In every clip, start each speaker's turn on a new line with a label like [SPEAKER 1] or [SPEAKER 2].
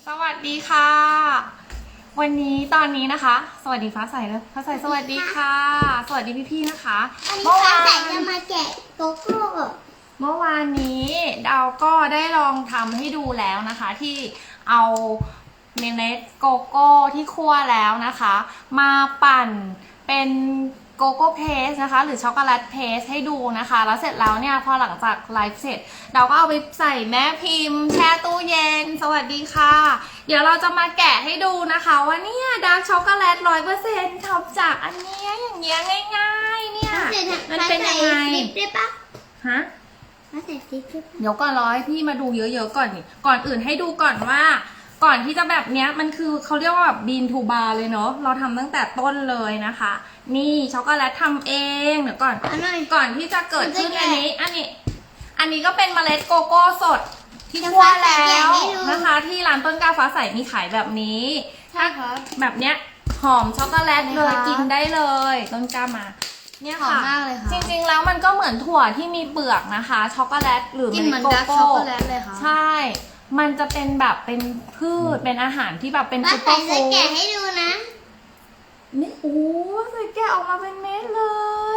[SPEAKER 1] สวัสดีค่ะ วันนี้ตอนนี้นะคะ สวัสดีฟ้าใสเลยฟ้าใสสวัสดีค่ะ สวัสดีพี่ๆนะคะ
[SPEAKER 2] วันนี้ฟ้าใสจะมาแกะโกโก้
[SPEAKER 1] เมื่อวานนี้ดาวก็ได้ลองทำให้ดูแล้วนะคะ ที่เอาเมล็ดโกโก้ที่คั่วแล้วนะคะ มาปั่นเป็นโกโก้เพสนะคะหรือช็อกโกแลตเพสให้ดูนะคะ แล้วเสร็จแล้วเนี่ยพอหลังจากไลฟ์เสร็จเราก็เอาไปใส่แม่พิมพ์แช่ตู้เย็นสวัสดีค่ะเดี๋ยวเราจะมาแกะให้ดูนะคะว่าเนี่ยดาร์กช็อกโกแลต100%ทำจากอันเนี้ยอย่างเงี้ยง่ายๆเนี่ยมันเป็นยังไง
[SPEAKER 2] ฟลิปได้ปะ
[SPEAKER 1] ฮะ
[SPEAKER 2] มาใส่ฟลิปได้ปะ
[SPEAKER 1] เดี๋ยวก่อนรอให้พี่มาดูเยอะๆก่อนนี่ก่อนอื่นให้ดูก่อนว่า ก่อนที่จะแบบเนี้ยมันคือเขาเรียกว่าแบบบีนทูบาร์เลยเนาะเราทำตั้งแต่ต้นเลยนะคะ นี่ช็อกโกแลตทำเองเดี๋ยวก่อน
[SPEAKER 2] อันหน่อย
[SPEAKER 1] ก่อนที่จะเกิดขึ้น
[SPEAKER 2] มันจะ
[SPEAKER 1] อัน
[SPEAKER 2] แกะ
[SPEAKER 1] นี้อันนี้ก็เป็นเมล็ดโกโก้สดที่คั่วแล้วนะคะ ที่ร้านต้นกล้าฟ้าใสมีขายแบบนี้
[SPEAKER 2] ใช่ครับ
[SPEAKER 1] แบบเนี้ยหอมช็อกโกแลตเลย
[SPEAKER 2] นะคะ
[SPEAKER 1] กินได้เลยต้นกล้ามาเนี่ย
[SPEAKER 2] หอม
[SPEAKER 1] ค่ะ
[SPEAKER 2] มากเลยค่ะ
[SPEAKER 1] จริงๆแล้วมันก็เหมือนถั่วที่มีเปลือกนะคะช็อกโกแลตหรือ
[SPEAKER 2] กินเหมือน
[SPEAKER 1] โก
[SPEAKER 2] ดาร์ก
[SPEAKER 1] โก้
[SPEAKER 2] ช็อกโกแลตเลยค่ะ
[SPEAKER 1] ใช่ มันจะเป็นแบบเป็นพืชเป็นอาหารที่แบบเป็น
[SPEAKER 2] มา
[SPEAKER 1] ซุปเปอ
[SPEAKER 2] ใส่
[SPEAKER 1] ร์ฟู้ด
[SPEAKER 2] จะแกะให้ดูนะ
[SPEAKER 1] นี่โอ้ใส่แกะออกมาเป็นเม็ดเลย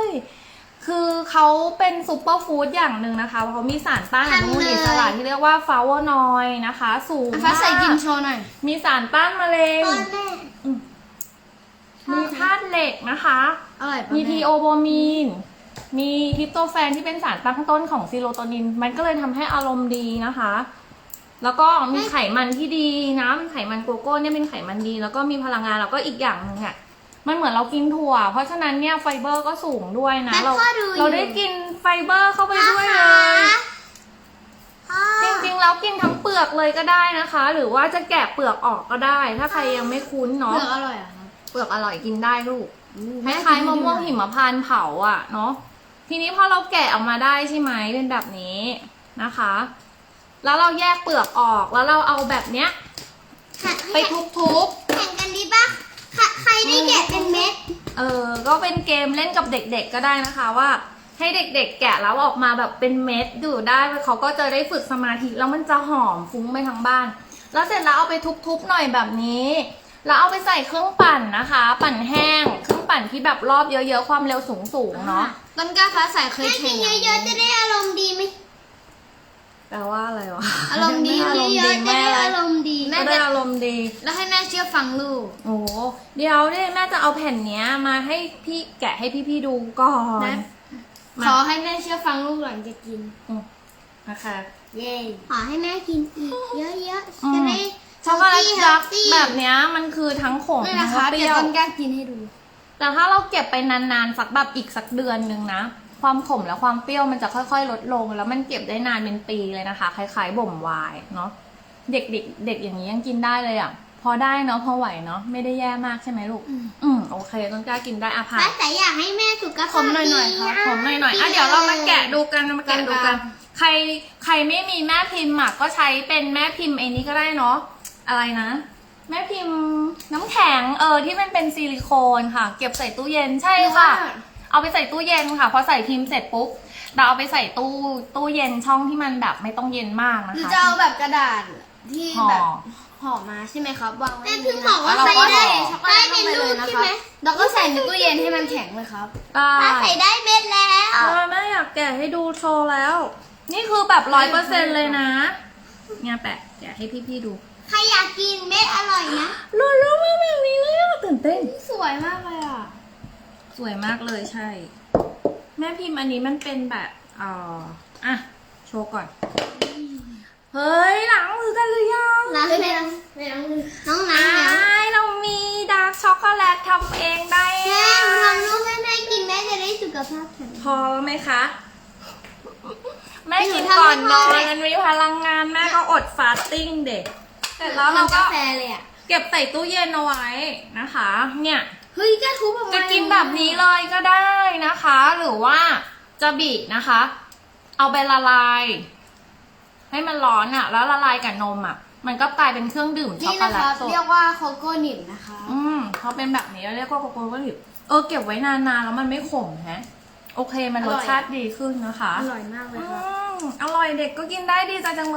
[SPEAKER 1] คือเขาเป็นซุปเปอร์ฟู้ดอย่างหนึ่งนะคะเพราะเขามีสารต้านอนุมูลอิสระที่เรียกว่าฟลาโวนอยด์นะคะ สูง
[SPEAKER 2] ฟ้าใส่กิน
[SPEAKER 1] มาก
[SPEAKER 2] โชว์หน่อย
[SPEAKER 1] มีสารต้านมะเร็ง
[SPEAKER 2] ต้นแม่
[SPEAKER 1] มีธาตุเหล็กนะคะ
[SPEAKER 2] อร่อยปะ
[SPEAKER 1] มี
[SPEAKER 2] แ
[SPEAKER 1] ทีโอโบมีน มีทริปโตแฟนที่เป็นสารตั้งต้นของซีโรโทนิน มันก็เลยทำให้อารมณ์ดีนะคะ แล้วก็มีไขมันที่ดีนะมันไขมันโกโก้เนี่ยเป็นไขมันดี แล้วก็มีพลังงาน แล้วก็อีกอย่างหนึ่งอ่ะ มันเหมือนเรากินถั่ว เพราะฉะนั้นเนี่ยไฟเบอร์ก็สูงด้วยนะ
[SPEAKER 2] แม่พ่อดูอยู่
[SPEAKER 1] เราได้กินไฟเบอร์เข้าไปด้วยเลย
[SPEAKER 2] พ่อ
[SPEAKER 1] จริงๆแล้วกินทั้งเปลือกเลยก็ได้นะคะ หรือว่าจะแกะเปลือกออกก็ได้ ถ้าใครยังไม่คุ้น
[SPEAKER 2] เป
[SPEAKER 1] เนาะ
[SPEAKER 2] ลือกอร่อยอ่ะครับ
[SPEAKER 1] เปลือกอร่อยกินได้ลูก ค
[SPEAKER 2] แม่
[SPEAKER 1] ล้ายๆมะม่วงหิมพานต์เผาอ่ะเนาะทีนี้พอเราแกะออกมาได้ใช่ไหมเป็นแบบนี้นะคะ แล้วเราแยกเปลือกออกแล้วเราเอาแบบเนี้ยไปทุบ
[SPEAKER 2] แข่งกันดีปะใครได้แกะเป็นเม็ด
[SPEAKER 1] ๆก็เป็นเกมเล่นกับเด็กๆก็ได้นะคะว่า ให้เด็กๆแกะแล้วออกมาแบบเป็นเม็ดดูได้เขาก็จะได้ฝึกสมาธิแล้วมันจะหอมฟุ้งไปทั้งบ้าน แล้วเสร็จแล้วเอาไปทุบๆหน่อยแบบนี้แล้วเอาไปใส่เครื่องปั่นนะคะ ปั่นแห้งเครื่องปั่นที่แบบรอบเยอะๆความเร็วสูงๆเนาะ
[SPEAKER 2] ต้นกล้าฟ้าใสเคยแข่งเยอะๆจะได้อารมณ์ดีไหม
[SPEAKER 1] แปลว่าอะไรวะ
[SPEAKER 2] อารมณ์ดี
[SPEAKER 1] อารมณ์
[SPEAKER 2] เย
[SPEAKER 1] ดี
[SPEAKER 2] อะๆจะ
[SPEAKER 1] แม่
[SPEAKER 2] ได้
[SPEAKER 1] อะไร
[SPEAKER 2] อารมณ์ดี
[SPEAKER 1] แม่ได้อารมณ์ดี
[SPEAKER 2] แล้วให้แม่เชื่อฟังลูก
[SPEAKER 1] โอ้โหเดี๋ยวเนี่ยแม่จะเอาแผ่นเนี้ยมาให้พี่แกะให้พี่ๆดูก่อน
[SPEAKER 2] นะ
[SPEAKER 1] มา
[SPEAKER 2] ขอให้แม่เชื่อฟังลูกหลังจะกิน
[SPEAKER 1] นะคะ
[SPEAKER 2] เย้ขอให้แม่กินอีกเยอะ
[SPEAKER 1] อืม
[SPEAKER 2] ๆจะได้
[SPEAKER 1] ช็อกโกแลตดัก
[SPEAKER 2] healthy
[SPEAKER 1] แบบเนี้ยมันคือทั้งขม
[SPEAKER 2] นี่
[SPEAKER 1] ทั้
[SPEAKER 2] นะ
[SPEAKER 1] ง
[SPEAKER 2] คะ
[SPEAKER 1] เป
[SPEAKER 2] เดี๋
[SPEAKER 1] รี้
[SPEAKER 2] ย
[SPEAKER 1] ยว ว
[SPEAKER 2] ต้นกล้ากินให้ดู
[SPEAKER 1] แต่ถ้าเราเก็บไปนานๆสักแบบอีกสักเดือนหนึ่งนะ ความขมและความเปรี้ยวมันจะค่อยๆลดลง แล้วมันเก็บได้นานเป็นปีเลยนะคะ คล้ายๆบ่มไวน์เนาะเด็กๆเด็กอย่างนี้ยังกินได้เลยอ่ะพอได้เนาะพอไหวเนาะไม่ได้แย่มากใช่ไหมลูก โอเคต้นกล้ากินได้อะผ่า
[SPEAKER 2] ป้าน แต่อยากให้แม่สุขภาพ
[SPEAKER 1] ขมหน่อยๆครับ
[SPEAKER 2] ดี
[SPEAKER 1] ขมหน่อยๆอ่ะเดี๋ยวเรามาแกะดูกันมาแกะดูกัน
[SPEAKER 2] แกะ
[SPEAKER 1] ใครไม่มีแม่พิมพ์อ่ะก็ใช้เป็นแม่พิมพ์ไอ้นี้ก็ได้เนาะอะไรนะ แม่พิมพ์น้ำแข็งที่มันเป็นซิลิโคนค่ะ เก็บใส่ตู้เย็นใช่ค่ะ เอาไปใส่ตู้เย็นค่ะพอใส่พิมพ์เสร็จปุ๊บเราเอาไปใส่ตู้เย็นช่องที่มันแบบไม่ต้องเย็นมากนะ
[SPEAKER 2] หรือ
[SPEAKER 1] คะ
[SPEAKER 2] จะเอาแบบกระดาษที่
[SPEAKER 1] ห่อ
[SPEAKER 2] แบบห่อมาใช่ไหมครับวางไว้
[SPEAKER 1] แม่
[SPEAKER 2] ใน
[SPEAKER 1] เพิ่ง
[SPEAKER 2] นี้
[SPEAKER 1] บอกว่า
[SPEAKER 2] แล้ว
[SPEAKER 1] ใส่
[SPEAKER 2] ก็
[SPEAKER 1] ได้
[SPEAKER 2] ใส่ช็อกโกแลตลงไปเลยนะครับแล้วก็ใส่ในตู้เย็นให้มันแข็งเลยครับ
[SPEAKER 1] ได้
[SPEAKER 2] ป้าใส่ได้เม็ดแล้ว
[SPEAKER 1] แม่อยากแกะให้ดูโชว์แล้ว นี่คือแบบ100%เลยนะเนี่ยแปะแกะให้พี่ๆดู
[SPEAKER 2] ใครอยากกินเม็ดอร่อยนะ
[SPEAKER 1] รอแล้วมาแบบนี้เลยอะตื่นเต้น
[SPEAKER 2] สวยมากเลยอ่ะ
[SPEAKER 1] สวยมากเลยใช่ แม่พิมพ์อันนี้มันเป็นแบบอ่ะโชว์ก่อน เฮ้ยหลังมือกันหรือยัง
[SPEAKER 2] ล้างไม่ล้างไม่ล้างมือน้องล้างแล้ว
[SPEAKER 1] เรามีดาร์กช็อกโกแลตทำเองได้
[SPEAKER 2] แม่หนูทำลูกให้แม่กินแม่จะได้สุขภาพแข็ง
[SPEAKER 1] พอแล้วไหมคะ แม่กิน
[SPEAKER 2] หนูทำ
[SPEAKER 1] ก่อน
[SPEAKER 2] ให้
[SPEAKER 1] น
[SPEAKER 2] พ่
[SPEAKER 1] อ
[SPEAKER 2] อน เลย
[SPEAKER 1] มันมีพลังงานแม่ก็อดฟาสติ้งเด็กเสร็จแล้วเรา
[SPEAKER 2] ทำ
[SPEAKER 1] ก็
[SPEAKER 2] กาแฟเลยอ่ะ
[SPEAKER 1] เก็บใส่ตู้เย็นเอาไว้นะคะ เนี่ย
[SPEAKER 2] เฮ้ยแกทุบออกมา
[SPEAKER 1] จะกินแบบนี้เลยก็ได้นะคะ หรือว่าจะบีบนะคะ เอาไปละลาย ให้มันร้อนอะแล้วละลายกับนมอะมันก็กลายเป็นเครื่องดื่มช็อก
[SPEAKER 2] นี่
[SPEAKER 1] โก
[SPEAKER 2] นะ
[SPEAKER 1] แล
[SPEAKER 2] คะ
[SPEAKER 1] ตสด
[SPEAKER 2] เรียกว่าโคโก้นิบนะคะ
[SPEAKER 1] เขาเป็นแบบนี้เรียกว่าโกโก้ก็ดิบเก็บไว้นานๆแล้วมันไม่ขมฮะโอเคมันรสชาติดีขึ้นนะคะ
[SPEAKER 2] อร่อยมากเลยค่ะ
[SPEAKER 1] อร่อยเด็กก็กินได้ดีใจจังเลย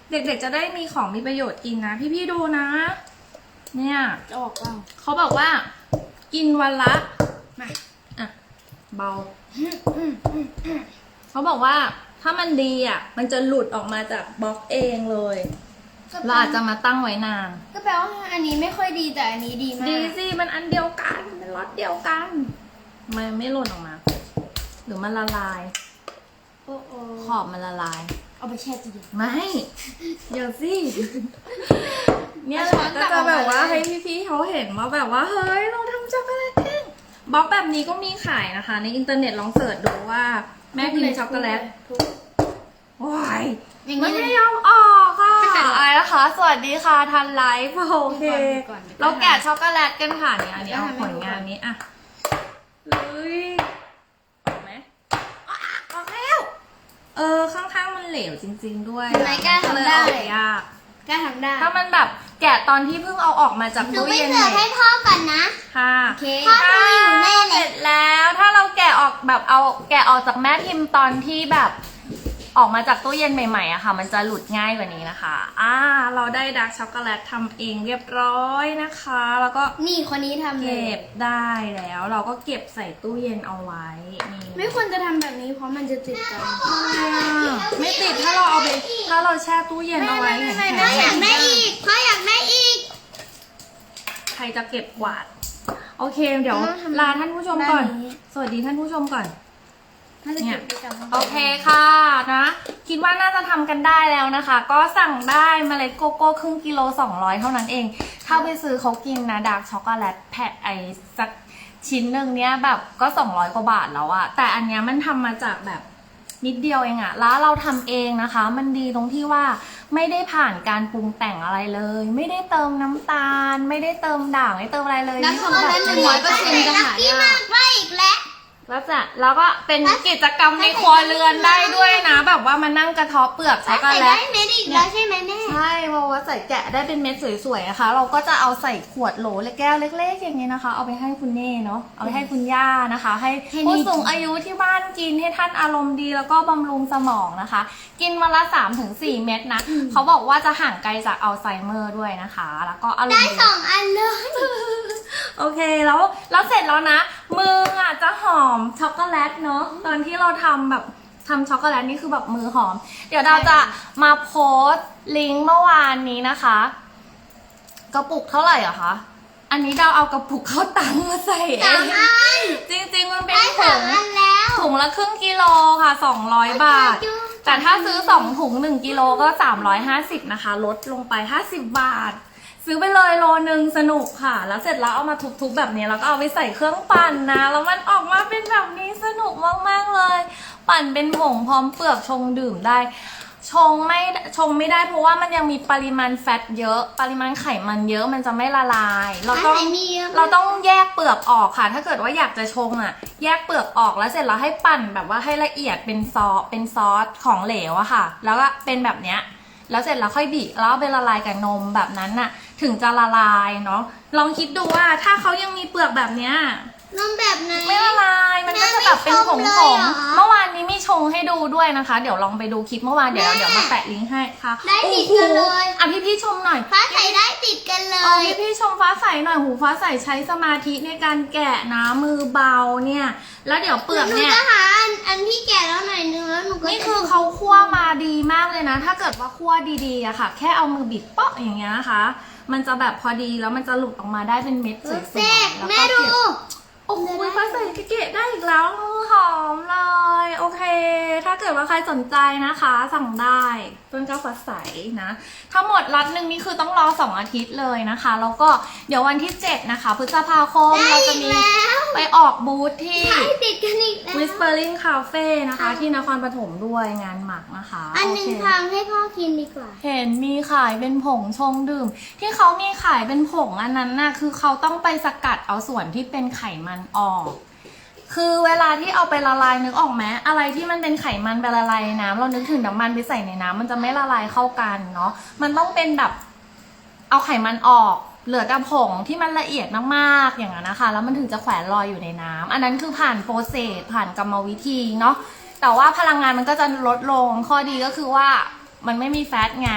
[SPEAKER 1] เด็กๆจะได้มีของมีประโยชน์กินนะ พี่ๆดูนะ เนี่ย
[SPEAKER 2] จะออกเปล่า
[SPEAKER 1] เขาบอกว่า กินวันละมาอ่ะเบา เขาบอกว่าถ้ามันดีอ่ะ มันจะหลุดออกมาจากบล็อกเองเลย เราอาจจะมาตั้งไว้นาน
[SPEAKER 2] ก็แปลว่าอันนี้ไม่ค่อยดีแต่อันนี้ดีมาก
[SPEAKER 1] ดีสิมันอันเดียวกันเป็นรสเดียวกันมันไม่หล่นออกมา หรือมันละลาย
[SPEAKER 2] โอ้โอ้
[SPEAKER 1] ขอบมันละลาย
[SPEAKER 2] เอาไปแช่ตู้เย็น
[SPEAKER 1] ไม่เดี๋ยวสิ เนี่ย
[SPEAKER 2] เอาช้อน
[SPEAKER 1] ก็
[SPEAKER 2] ตัก
[SPEAKER 1] จะ
[SPEAKER 2] ออกมา
[SPEAKER 1] แบบว่า
[SPEAKER 2] เลย
[SPEAKER 1] ให้พี่ๆเขาเห็นว่าแบบว่าเฮ้ยเราทำช็อกโกแลตเองบล็อกแบบนี้ก็มีขายนะคะ ในอินเทอร์เน็ตลองเสิร์ชดูว่าแม่พิมพ์ช็อกโกแลตว้าย
[SPEAKER 2] อย่าง
[SPEAKER 1] มัน
[SPEAKER 2] นี้
[SPEAKER 1] ไม่
[SPEAKER 2] เลย
[SPEAKER 1] ยอมออกค่ะ
[SPEAKER 2] ไม่เป็นไร
[SPEAKER 1] อะไรนะคะ สวัสดีค่ะทันไลฟ์โอเค
[SPEAKER 2] ก่อน
[SPEAKER 1] เราแกะช็อกโกแลตกันค่ะเนี่ยอันนี้เอา
[SPEAKER 2] แล้วทำให้
[SPEAKER 1] ผลงานนี้อ่ะเลยออกไหมออกแล้วข้างๆมันเหลวจริงๆด้วย
[SPEAKER 2] ทำไมกล้าทำได้
[SPEAKER 1] เลยออกยาก
[SPEAKER 2] กล้าทำได้
[SPEAKER 1] ถ้ามันแบบแกะตอนที่เพิ่งเอาออกมาจาก
[SPEAKER 2] หนู
[SPEAKER 1] ตู้
[SPEAKER 2] ไป
[SPEAKER 1] เย็น
[SPEAKER 2] เสิร์ฟให้พ่อก่อนนะ
[SPEAKER 1] ค่ะ
[SPEAKER 2] โอเคพ่อดูอยู่แน่เลย
[SPEAKER 1] เสร็จแล้วถ้าเราแกะออกแบบเอาแกะออกจากแม่พิมพ์ตอนที่แบบออกมาจากตู้เย็นใหม่ๆอะค่ะ มันจะหลุดง่ายกว่านี้นะคะเราได้ดาร์กช็อกโกแลตทำเองเรียบร้อยนะคะ แล้วก็
[SPEAKER 2] นี่คนนี้ทำเลย
[SPEAKER 1] เก็บได้แล้ว เราก็เก็บใส่ตู้เย็นเอาไว้นี่
[SPEAKER 2] ไม่ควรจะทำแบบนี้เพราะมันจะติดกัน
[SPEAKER 1] ไม่ติดถ้าเราเอาไปถ้าเราแช่ตู้เย็นเอาไว้
[SPEAKER 2] ไม่
[SPEAKER 1] แข็งๆ
[SPEAKER 2] พ่ออยากได้อีกพ่ออยากได้อีก
[SPEAKER 1] ใครจะเก็บกวาด โอเค เดี๋ยว
[SPEAKER 2] ต้องทำ
[SPEAKER 1] ลาท่านผู้ชมก่อน
[SPEAKER 2] ด้านนี้
[SPEAKER 1] สวัสดีท่านผู้ชมก่อน
[SPEAKER 2] ถ้าจะเก็บไปกับห้อง
[SPEAKER 1] โอเคค่ะนะ คิดว่าน่าจะทำกันได้แล้วนะคะ ก็สั่งได้เมล็ดโกโก้ครึ่งกิโล200เท่านั้นเอง ถ้าไปซื้อเขากินนะดาร์กช็อกโกแลตแผ่ไอสักชิ้นหนึ่งเนี้ยแบบก็200กว่าบาทแล้วอะแต่อันเนี้ยมันทำมาจากแบบนิดเดียวเองอะแล้วเราทำเองนะคะ มันดีตรงที่ว่าไม่ได้ผ่านการปรุงแต่งอะไรเลย ไม่ได้เติมน้ำตาล ไม่ได้เติมด่างไม่เติมอะไรเลย
[SPEAKER 2] น้ำช็อกโกแลต100%จะหายาก
[SPEAKER 3] ได้อีกแล้ว
[SPEAKER 1] แล้วก็เป็นกิจกรรมในครัวเรือนได้ด้วยนะ แบบว่ามานั่งกระเทาะเปลือกช็อกโก
[SPEAKER 3] ใส่
[SPEAKER 1] แล
[SPEAKER 3] ได้
[SPEAKER 1] ต
[SPEAKER 3] เม็ดอีกแล้วใช่ไหมแม่
[SPEAKER 1] ใช่เพราะว่าใส่แกะได้เป็นเม็ดสวยๆนะคะ เราก็จะเอาใส่ขวดโหลเล็กแก้วเล็กๆอย่างนี้นะคะ เอาไปให้คุณเน่เนาะเอาไปให้คุณย่านะคะ ให้ผู้สูงอายุที่บ้านกินให้ท่านอารมณ์ดีแล้วก็บำรุงสมองนะคะ กินวันละ 3-4 เม็ดนะเขาบอกว่าจะห่างไกลจากอัลไซเมอร์ด้วยนะคะ แล้วก็อารม
[SPEAKER 3] ได้
[SPEAKER 1] ณ์ดี
[SPEAKER 3] 2 อันเลย
[SPEAKER 1] โอเคแล้วเสร็จแล้วนะ มืออ่ะจะหอมช็อกโกแลตเนาะตอนที่เราทำแบบทำช็อกโกแลตนี่คือแบบมือหอม เดี๋ยวเราจะมาโพสต์ลิงก์เมื่อวานนี้นะคะ กระปุกเท่าไหร่อะคะอันนี้เราเอากระปุกข้าวตังมาใส่เอ
[SPEAKER 3] 2
[SPEAKER 1] ง
[SPEAKER 3] อัน
[SPEAKER 1] จริงๆมันเป็น
[SPEAKER 3] ได้
[SPEAKER 1] ถุง
[SPEAKER 3] 2 อันแล้ว
[SPEAKER 1] ถุงละครึ่งกิโลค่ะ200 บาท แต่ถ้าซื้อ2ถุง1กิโลก็350นะคะลดลงไป50 บาท ซื้อไปเลยโลนึงสนุกค่ะ แล้วเสร็จแล้วเอามาทุบๆแบบนี้แล้วก็เอาไปใส่เครื่องปั่นนะแล้วมันออกมาเป็นแบบนี้สนุกมากๆเลย ปั่นเป็นผงพร้อมเปลือกชงดื่มได้ ชงไม่ได้เพราะว่ามันยังมีปริมาณแฟตเยอะ ปริมาณไขมันเยอะมันจะไม่ละลาย เราต้อง
[SPEAKER 3] อันไหนมีเยอะ
[SPEAKER 1] เราต้องแยกเปลือกออกค่ะ ถ้าเกิดว่าอยากจะชงอ่ะ แยกเปลือกออกแล้วเสร็จแล้วให้ปั่นแบบว่าให้ละเอียดเป็นซอสของเหลวอะค่ะ แล้วก็เป็นแบบเนี้ย แล้วเสร็จแล้วค่อยบีบแล้วเอาไปละลายกับนมแบบนั้นน่ะ ถึงจะละลายเนาะ ลองคิดดูว่าถ้าเขายังมีเปลือกแบบเนี้ย
[SPEAKER 3] นมแบบไหน
[SPEAKER 1] ไม่ละลาย มันก็จะแบบเป็นผง
[SPEAKER 3] แม่
[SPEAKER 1] ผ
[SPEAKER 3] ไม่ช
[SPEAKER 1] ง
[SPEAKER 3] งเลยเหรอ
[SPEAKER 1] เมื่อวานนี้มีชงให้ดูด้วยนะคะ เดี๋ยวลองไปดูคลิปเมื่อวาน เดี๋ยว
[SPEAKER 3] แม่
[SPEAKER 1] เดี๋ยวมาแปะลิงก์ให้ค่ะ
[SPEAKER 3] ได้ติดกันเลย
[SPEAKER 1] อ่ะพี่ชมหน่อย
[SPEAKER 3] ฟ้าใส่ได้ติดกันเล
[SPEAKER 1] เอา
[SPEAKER 3] ย
[SPEAKER 1] พี่ชมฟ้าใสหน่อยหูฟ้าใสใช้สมาธิในการแกะนะมือเบาเนี่ย แล้วเดี๋ยวเปลือก
[SPEAKER 3] หนู
[SPEAKER 1] เนี่ย
[SPEAKER 3] จะหาอันที่แก่แล้วหน่อยนึงแล้วหนูก็
[SPEAKER 1] นี่
[SPEAKER 3] จะ
[SPEAKER 1] คือเขาคั่วมาดีมากเลยนะ ถ้าเกิดว่าคั่วดีๆอะค่ะ แค่เอามือบิดเปาะอย่างเงี้ยนะคะ มันจะแบบพอดีแล้วมันจะหลุดออกมาได้เป็นเม็ดสวย
[SPEAKER 3] เซ็
[SPEAKER 1] ๆ
[SPEAKER 3] ก
[SPEAKER 1] แล้ว
[SPEAKER 3] แม่
[SPEAKER 1] ก็
[SPEAKER 3] ดู
[SPEAKER 1] เก็บ โอ้โหฟ้าใสเกะได้อีกแล้วมือหอมเลย โอเค ถ้าเกิดว่าใครสนใจนะคะ สั่งได้ต้นกล้าฟ้าใสนะทั้งหมดล็อตหนึ่งนี่คือต้องรอ2 อาทิตย์เลยนะคะ แล้วก็เดี๋ยววันที่ 7 นะคะ พฤษภาคม
[SPEAKER 3] ได้
[SPEAKER 1] เราจะ
[SPEAKER 3] อีก
[SPEAKER 1] มี
[SPEAKER 3] แล้ว
[SPEAKER 1] ไปออกบูธที่
[SPEAKER 3] ใช่ติดกันอีกแล้ว
[SPEAKER 1] Whispering Cafe นะคะ ที่นครปฐมด้วยงานหมักนะคะ
[SPEAKER 3] อันหนึ่ง
[SPEAKER 1] โเค
[SPEAKER 3] ทางให้พ่อกินดีกว่า
[SPEAKER 1] เห็นมีขายเป็นผงชงดื่ม ที่เขามีขายเป็นผงอันนั้นน่ะคือเขาต้องไปสกัดเอาส่วนที่เป็นไขมันออก คือเวลาที่เอาไปละลายนึกออกไหมอะไรที่มันเป็นไขมันไปละลายในน้ำเรานึกถึงน้ำมันไปใส่ในน้ำมันจะไม่ละลายเข้ากันเนาะมันต้องเป็นแบบเอาไขมันออก เหลือแต่ผงที่มันละเอียดมากๆอย่างนั้นนะคะ แล้วมันถึงจะแขวนลอยอยู่ในน้ำอันนั้นคือผ่านโปรเซสผ่านกรรมวิธีเนาะแต่ว่าพลังงานมันก็จะลดลงข้อดีก็คือว่ามันไม่มีแฟตไง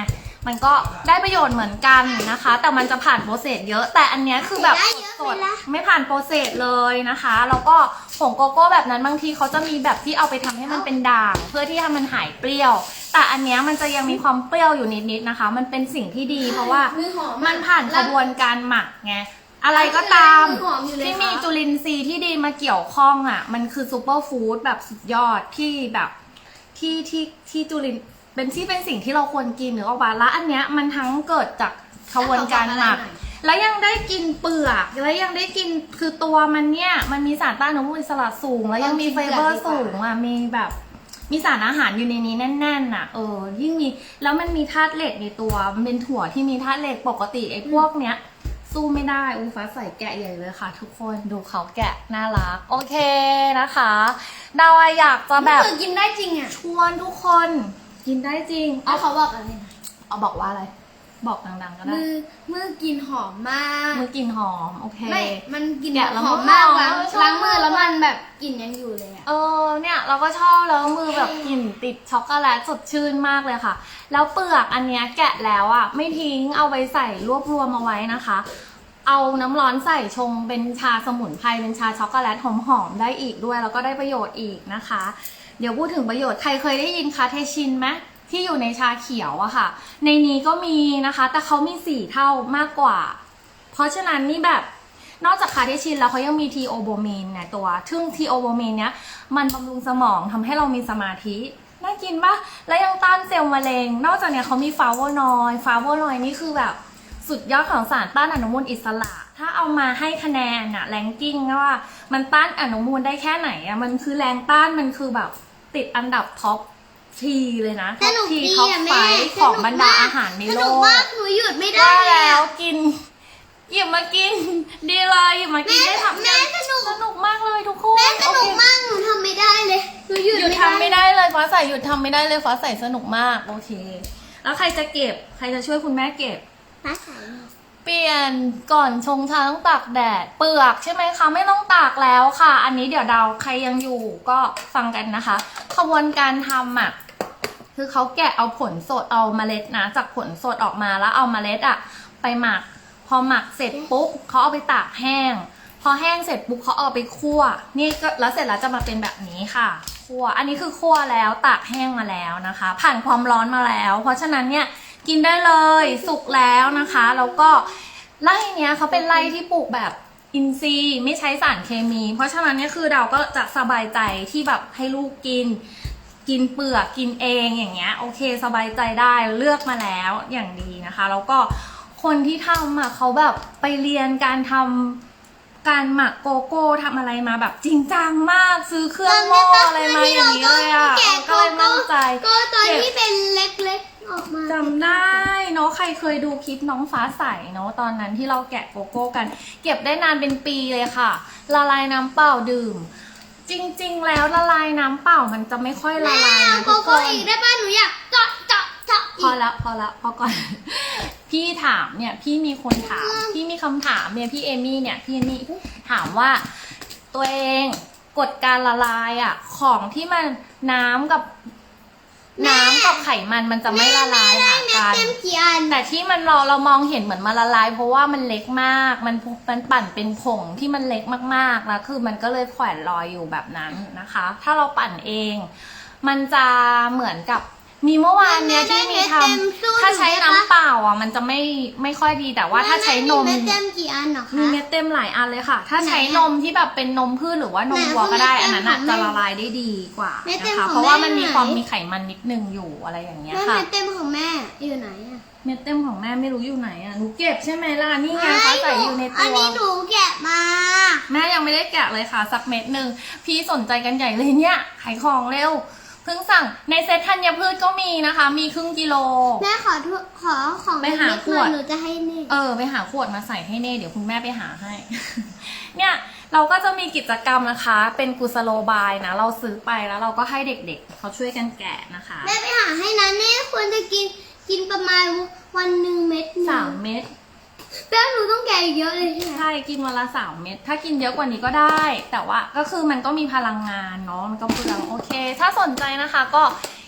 [SPEAKER 1] มันก็ได้ประโยชน์เหมือนกันนะคะ แต่มันจะผ่านโปรเซสเยอะแต่อันเนี้ยคือแบบสดๆไม่ผ่านโปรเซสเลยนะคะแล้วก็ผงโกโก้แบบนั้นบางทีเขาจะมีแบบที่เอาไปทำให้มันเป็นด่างเพื่อที่ให้มันหายเปรี้ยว แต่อันเนี้ยมันจะยังมีความเปรี้ยวอยู่นิดๆนะคะ มันเป็นสิ่งที่ดีเพราะว่ามันผ่านกระบวนการหมักไงอะไรก็ตามที่มีจุลินทรีย์ที่ดีมาเกี่ยวข้องอ่ะมันคือซูเปอร์ฟู้ดแบบสุดยอดที่แบบที่จุลินเป็นสิ่งที่เราควรกินหรือว่าละอันเนี้ยมันทั้งเกิดจากกระบวนการหมักแล้วยังได้กินเปลือกแล้วยังได้กินคือตัวมันเนี่ยมันมีสารต้านอนุมูลอิสระสูงแล้วยังมีไฟเบอร์สูงอ่ะมีแบบมีสารอาหารอยู่ในนี้แน่นๆอ่ะยิ่งมีแล้วมันมีธาตุเหล็กในตัวมันเป็นถั่วที่มีธาตุเหล็กปกติไอ้พวกเนี้ยสู้ไม่ได้ฟ้าใส่แกะใหญ่เลยค่ะทุกคนดูเขาแกะน่ารักโอเคนะคะดาวอยากจะแบบ
[SPEAKER 2] กินได้จริงอ่ะ
[SPEAKER 1] ชวนทุกคนกินได้จริง
[SPEAKER 2] เขาบอกอะไรนะ
[SPEAKER 1] เอาบอกว่าอะไรบอกดังๆก็ได้
[SPEAKER 2] มือกลิ่นหอมมาก
[SPEAKER 1] มือกลิ่นหอมโอเค
[SPEAKER 2] ไม่มันกลิ่นหอมมากล้างมือแล้วมันแบบกลิ่นยังอยู่เลยอ่ะ
[SPEAKER 1] เนี่ยเราก็ชอบแล้วมือแบบกลิ่นติดช็อกโกแลตสดชื่นมากเลยค่ะแล้วเปลือกอันเนี้ยแกะแล้วอ่ะไม่ทิ้งเอาไปใส่รวบรวมเอาไว้นะคะเอาน้ำร้อนใส่ชงเป็นชาสมุนไพรเป็นชาช็อกโกแลตหอมๆได้อีกด้วยแล้วก็ได้ประโยชน์อีกนะคะเดี๋ยวพูดถึงประโยชน์ใครเคยได้ยินคาเทชินไหมที่อยู่ในชาเขียวอะค่ะในนี้ก็มีนะคะแต่เขามี4เท่ามากกว่าเพราะฉะนั้นนี่แบบนอกจากคาเทชินแล้วเขายังมีทีโอโบมีนเนี่ยตัวซึ่งทีโอโบมีนเนี้ยมันบำรุงสมองทำให้เรามีสมาธิน่ากินปะและยังต้านเซลล์มะเร็งนอกจากเนี้ยเขามีฟลาโวนอยด์นี่คือแบบสุดยอดของสารต้านอนุมูลอิสระถ้าเอามาให้คะแนนอะแรงกิ้งว่ามันต้านอนุมูลได้แค่ไหนอะมันคือแรงต้านมันคือแบบติดอันดับท็อปทีเลยนะท็อปทีท็อปไฟของบรรดาอาหารในโลกสนุก
[SPEAKER 3] มากหนูหยุดไม่ได้
[SPEAKER 1] แล้วกินหยิบมากินดีเลยหยิบมากินได้ทำ
[SPEAKER 3] แม่สนุก
[SPEAKER 1] มากเลยทุกคน
[SPEAKER 3] แม่สนุกมากหนูทำไม่ได้เลยหนูหยุด
[SPEAKER 1] ทำไม่ได้เลยฟ้าใสหยุดทำไม่ได้เลยฟ้าใสสนุกมากโอเคแล้วใครจะเก็บใครจะช่วยคุณแม่เก็บ
[SPEAKER 3] ฟ้าใส
[SPEAKER 1] เปลี่ยนก่อนชงชาต้องตากแดดเปลือกใช่ไหมคะไม่ต้องตากแล้วค่ะอันนี้เดี๋ยวเราใครยังอยู่ก็ฟังกันนะคะขบวนการทำอ่ะคือเขาแกะเอาผลสดเอาเมล็ดนะจากผลสดออกมาแล้วเอาเมล็ดอ่ะไปหมักพอหมักเสร็จปุ๊บเขาเอาไปตากแห้งพอแห้งเสร็จปุ๊บเขาเอาไปคั่วนี่ก็แล้วเสร็จแล้วจะมาเป็นแบบนี้ค่ะคั่วอันนี้คือคั่วแล้วตากแห้งมาแล้วนะคะผ่านความร้อนมาแล้วเพราะฉะนั้นเนี่ยกินได้เลยสุกแล้วนะคะแล้วก็ไร่เนี้ยเขาเป็นไร่ที่ปลูกแบบอินทรีย์ไม่ใช้สารเคมีเพราะฉะนั้นเนี่ยคือเราก็จะสบายใจที่แบบให้ลูกกินเปลือกกินเองอย่างเงี้ยโอเคสบายใจได้เลือกมาแล้วอย่างดีนะคะแล้วก็คนที่ทำอ่ะเขาแบบไปเรียนการทำการหมักโกโก้ทำอะไรมาแบบจริงจังมากซื้อเครื่องหม้ออะไรมาอย่างนี้เลยอ่ะก็เลยมั่นใจ
[SPEAKER 3] ก็ตอนที่เป็นเล็กๆออกมา
[SPEAKER 1] จำได้เนาะใครเคยดูคลิปน้องฟ้าใสเนาะตอนนั้นที่เราแกะโกโก้กันเก็บได้นานเป็นปีเลยค่ะละลายน้ำเปล่าดื่มจริงๆแล้วละลายน้ำเปล่ามันจะไม่ค่อยละลายนะทุกคน
[SPEAKER 3] อีกได้ป่ะหนูอยากเจาะ
[SPEAKER 1] พอก่อนพี่ถามเนี่ยพี่มีคนถามพี่มีคำถามเนี่ยพี่เอมี่เนี่ยพี่เอมี่ถามว่าตัวเองกฎการละลายอ่ะของที่มันน้ำกับไขมันจะไม่ละลายหากันแต่ที่มันเรามองเห็นเหมือนมันละลายเพราะว่ามันเล็กมากมันปั่นเป็นผงที่มันเล็กมากๆแล้วคือมันก็เลยแขวนลอยอยู่แบบนั้นนะคะถ้าเราปั่นเองมันจะเหมือนกับมีเมื่อวานเนี้ยที่มีทำถ้าใช้น้ำเปล่าอ่ะมันจะไม่ค่อยดีแต่ว่าถ้าใช้นม
[SPEAKER 3] มีเม็ดเต็มกี่อันหรอคะ
[SPEAKER 1] มีเม็ดเต็มหลายอันเลยค่ะถ้าใช้นมที่แบบเป็นนมพืชหรือว่านมวัวก็ได้อันนั้นอ่ะจะละลายได้ดีกว่านะคะเพราะว่ามันมีความมีไขมันนิดนึงอยู่อะไรอย่างเงี้ยค่ะ
[SPEAKER 3] เม็ดเต็มของแม่อยู่ไหนอ่ะ
[SPEAKER 1] เม็ดเต็มของแม่ไม่รู้อยู่ไหนอ่ะหนูเก็บใช่ไหมล่ะนี่ไงคะใส่อยู่ในตัว
[SPEAKER 3] อันนี้หนูแกะมา
[SPEAKER 1] แม่ยังไม่ได้แกะเลยค่ะสักเม็ดนึงพี่สนใจกันใหญ่เลยเนี่ยขายของเร็วเพิ่งสั่งในเซ็ตธัญพืชก็มีนะคะมีครึ่งกิโล
[SPEAKER 3] แม่ขอของ
[SPEAKER 1] ไปหาขวด
[SPEAKER 3] หนูจะให้เน่
[SPEAKER 1] ไปหาขวดมาใส่ให้เน่เดี๋ยวคุณแม่ไปหาให้ เนี่ยเราก็จะมีกิจกรรมนะคะเป็นกุสโลบายนะเราซื้อไปแล้วเราก็ให้เด็กๆเขาช่วยกันแกะนะคะ
[SPEAKER 3] แม่ไปหาให้นะเน่ควรจะกินประมาณวันหนึ่งเม็ด
[SPEAKER 1] 3 เม็ด
[SPEAKER 3] แล้วหนูต้องแกะเยอะเลย
[SPEAKER 1] ใช่กินวันละ3 เม็ดถ้ากินเยอะกว่านี้ก็ได้แต่ว่าก็คือมันก็มีพลังงานเนาะมันก็เปลืองโอเคถ้าสนใจนะคะก็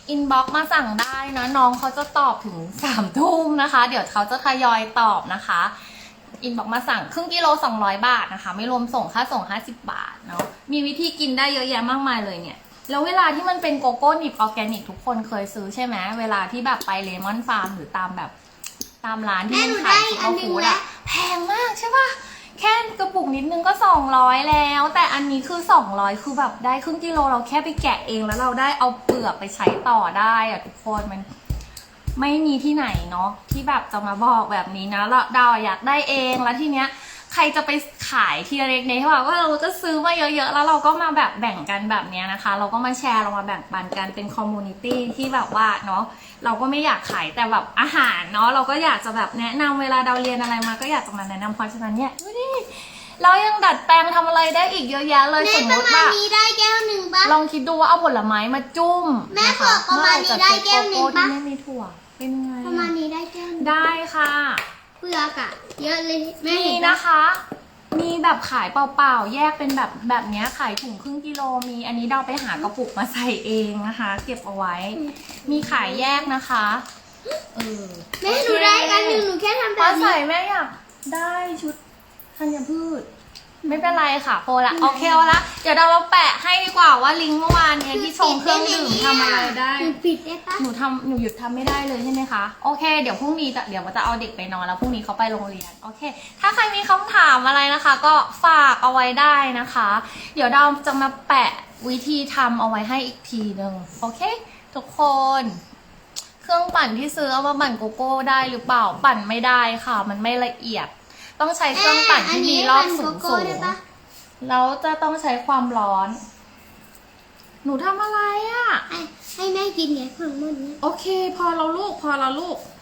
[SPEAKER 1] อินบ็อกมาสั่งได้นะน้องเขาจะตอบถึง3 ทุ่มนะคะ เดี๋ยวเขาจะทยอยตอบนะคะอินบ็อกมาสั่งครึ่งกิโล200 บาทนะคะไม่รวมส่งค่าส่ง50 บาทเนาะมีวิธีกินได้เยอะแยะมากมายเลยเนี่ยแล้วเวลาที่มันเป็นโกโก้นิบออร์แกนิกทุกคนเคยซื้อใช่ไหมเวลาที่แบบไปเลมอนฟาร์มหรือตามแบบตามร้านที่มันขายซุปเปอร์ฟู้ดอะแพงมากใช่ปะแค่กระปุกนิดนึงก็200แล้ว แต่อันนี้คือ200คือแบบได้ครึ่งกิโลเราแค่ไปแกะเองแล้วเราได้เอาเปลือกไปใช้ต่อได้อะทุกคนมันไม่มีที่ไหนเนาะที่แบบจะมาบอกแบบนี้นะแล้วดาวอยากได้เองแล้วทีเนี้ยใครจะไปขายทีละเล็กในที่ว่าเราก็ซื้อมาเยอะๆแล้วเราก็มาแบบแบ่งกันแบบนี้นะคะเราก็มาแชร์เรามาแบ่งปันกันเป็นคอมมูนิตี้ที่แบบว่าเนาะเราก็ไม่อยากขายแต่แบบอาหารเนาะเราก็อยากจะแบบแนะนำเวลาเราเรียนอะไรมาก็อยากจะมาแนะนำเพราะฉะนั้นเนี่ยดูดิเรายังดัดแปลงทำอะไรได้อีกเยอะแยะเลย
[SPEAKER 3] แม่
[SPEAKER 1] สม
[SPEAKER 3] ป
[SPEAKER 1] ม
[SPEAKER 3] ระ
[SPEAKER 1] ติ
[SPEAKER 3] มาณ
[SPEAKER 1] ว่า
[SPEAKER 3] นี้ได้แก้วหนึ่งปะ
[SPEAKER 1] ลองคิดดูว่าเอาผลไม้มาจุ่ม
[SPEAKER 3] แม่
[SPEAKER 1] นะคะ
[SPEAKER 3] บอกประมาณนี้ได้แก้วหนึ่งปะ
[SPEAKER 1] เมื่อไหร่จะเจอโกโก้ที่ไม่มีถั่วเป็นไง
[SPEAKER 3] ประมาณนี้ได้แก้วหนึ่ง
[SPEAKER 1] ได้ค่ะ
[SPEAKER 3] เปลือกอะเยอะเลยแม่
[SPEAKER 1] มี
[SPEAKER 3] เห็นปะ
[SPEAKER 1] นะคะ มีแบบขายเปล่าๆ แยกเป็นแบบเนี้ยขายถุงครึ่งกิโล มีอันนี้เราไปหากระปุกมาใส่เองนะคะ เก็บเอาไว้ มีขายแยกนะคะ
[SPEAKER 3] แม่หนูได้อันหนึ่งหนูแค่ทำแบ
[SPEAKER 1] พอบ ใส่
[SPEAKER 3] นี้
[SPEAKER 1] แม่อยากได้ชุดธัญพืช ไม่เป็นไรค่ะโพละโอเคเอาละเดี๋ยวเรามาแปะให้ดีกว่าว่าลิงก์เมื่อวานเนี่ยที่ชงเครื่องดื่มทำอะไรได้
[SPEAKER 3] หนูปิดได้ปะ
[SPEAKER 1] หนูหยุดทำไม่ได้เลยใช่ไหมคะโอเคเดี๋ยวพรุ่งนี้เดี๋ยวจะเอาเด็กไปนอนแล้วพรุ่งนี้เขาไปโรงเรียนโอเคถ้าใครมีคำถามอะไรนะคะ ก็ฝากเอาไว้ได้นะคะ เดี๋ยวเราจะมาแปะวิธีทำเอาไว้ให้อีกทีหนึ่งโอเคทุกคนเครื่องปั่นที่ซื้อเอามาปั่นโกโก้ได้หรือเปล่าปั่นไม่ได้ค่ะมันไม่ละเอียดต้องใช้เครื่องปั่นที่มีรอบสูง
[SPEAKER 3] ได้ปะ
[SPEAKER 1] แล้วจะต้องใช้ความร้อนหนูทำอะไรอะ่ะ
[SPEAKER 3] ให้แม่กินไงของหมดเนี้ย
[SPEAKER 1] โอเคพอเราลูกพอละ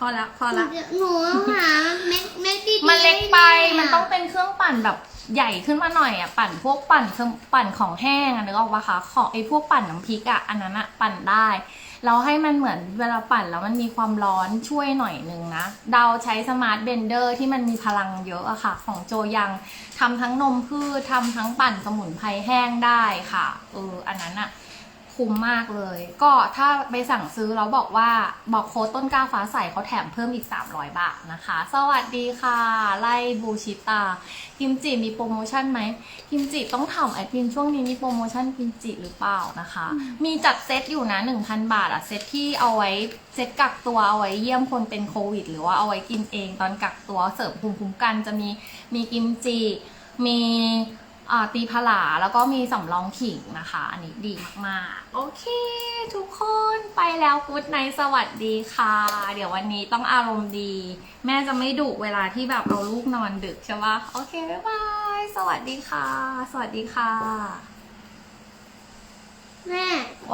[SPEAKER 3] หนูหาเม็ดดีๆ
[SPEAKER 1] มันเล็กไป
[SPEAKER 3] ให้แ
[SPEAKER 1] มันต้องเป็นเครื่องปั่นแบบใหญ่ขึ้นมาหน่อยอ่ะปั่นพวกปั่นของแห้งอ่ะนึกออกปะคะของไอ้พวกปั่นน้ำพริกอ่ะอันนั้นอ่ะปั่นได้เราให้มันเหมือนเวลาปั่นแล้วมันมีความร้อนช่วยหน่อยนึงนะเดาใช้สมาร์ทเบนเดอร์ที่มันมีพลังเยอะอะค่ะของโจยังทำทั้งนมพืชทำทั้งปั่นสมุนไพรแห้งได้ค่ะอันนั้นอ่ะคุ้มมากเลย ก็ถ้าไปสั่งซื้อแล้วบอกโค้ดต้นกล้าฟ้าใสเขาแถมเพิ่มอีก300 บาทนะคะ สวัสดีค่ะ ไล่บูชิตากิมจิมีโปรโมชั่นไหมกิมจิต้องถามแอดมินช่วงนี้มีโปรโมชั่นกิมจิหรือเปล่านะคะ มีจัดเซตอยู่นะ 1,000 บาทอะเซตที่เอาไว้เซตกักตัวเอาไว้เยี่ยมคนเป็นโควิดหรือว่าเอาไว้กินเองตอนกักตัวเสริมภูมิคุ้มกันจะมีกิมจิมีตีผลาแล้วก็มีสำรองขิงนะคะ อันนี้ดีมากๆโอเคทุกคนไปแล้วกู๊ดไนท์สวัสดีค่ะ เดี๋ยววันนี้ต้องอารมณ์ดี แม่จะไม่ดุเวลาที่แบบเอาลูกนอนดึกใช่ปะโอเคบ๊ายบายสวัสดีค่ะ สวัสดีค่ะ